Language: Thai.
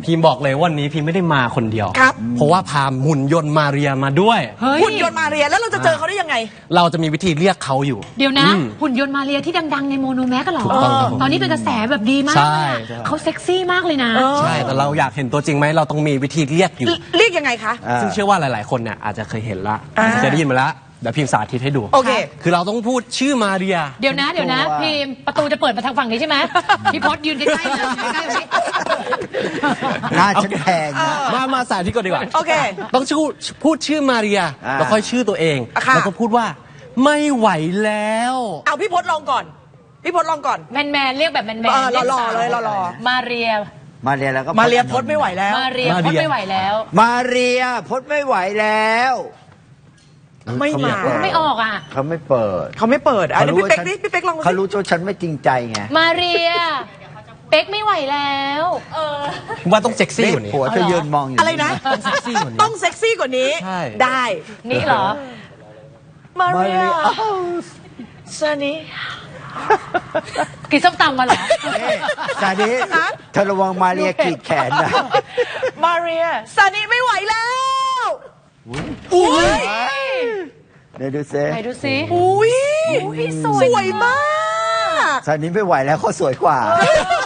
พิมบอกเลยวันนี้พิมไม่ได้มาคนเดียวครับเพราะว่าพาหุ่นยนต์มาเรียมาด้วยเฮ้ยหุ่นยนต์มาเรียแล้วเราจะเจอเขาได้ยังไงเราจะมีวิธีเรียกเขาอยู่เดี๋ยวนะ หุ่นยนต์มาเรียที่ดังๆในโมโนแม็กกันเหรอถูกต้องครับผมตอนนี้เป็นกระแสแบบดีมากใช่เลยอะเขาเซ็กซี่มากเลยนะใช่แต่เราอยากเห็นตัวจริงไหมเราต้องมีวิธีเรียกอยู่เรียกยังไงคะซึ่งเชื่อว่าหลาย ๆ คนเนี่ยอาจจะเคยเห็นละอ่าเคยได้ยินมาแล้วเดี๋ยวพิมสาธิตให้ดูโอเคคือเราต้องพูดชื่อมาเรียเดี๋ยวนะพิมพ์ประตูจะเปิดมาทางฝั่งนี้ใช่ไหมพี่พศยืนใกล้ๆเลยใกล้ๆเลยหน้าฉันแพงนะมาสาธิตก่อนดีกว่าโอเคต้องพูดชื่อมาเรีย แล้วค่อยชื่อตัวเองค่ะแล้วก็พูดว่าไม่ไหวแล้วเอาพี่พศลองก่อน พี่พศลองก่อนแมนๆเรียกแบบแมนหล่อๆเลยหล่อมาเรียมาเรียแล้วก็มาเรียพศไม่ไหวแล้วมาเรียพศไม่ไหวแล้วมาเรียพดไม่ไหวแล้วไม่มาไม่ออกอ่ะเขาไม่เปิดเขาไม่เปิดอ่ะเดี๋ยวพี่เป๊กว่าดิพี่เป๊กลองเขาสิรู้ว่าฉันไม่จริงใจไงมาเรียเป๊กไม่ไหวแล้วว่าต้องเซ็กซี่นี่กว่านี้ผัวเธอยืนมองอยู่อะไรนะต้องเซ็กซี่กว่านี้ต้องเซ็กซี่กว่านี้ใช่ได้นี่เหรอมามาเรีเรียยซันนี่กินส้มตำมาเหรอซาดิเธอระวังมาเรียกรีดแขนนะมาเรียซันนี่ไม่ไหวแล้ว อุ้ยเดี๋ยวดูซิไหนดูซิอุ้ยอุ๊ยสสวยวยมากซาดิไม่ไหวแล้วเขาสวยกว่า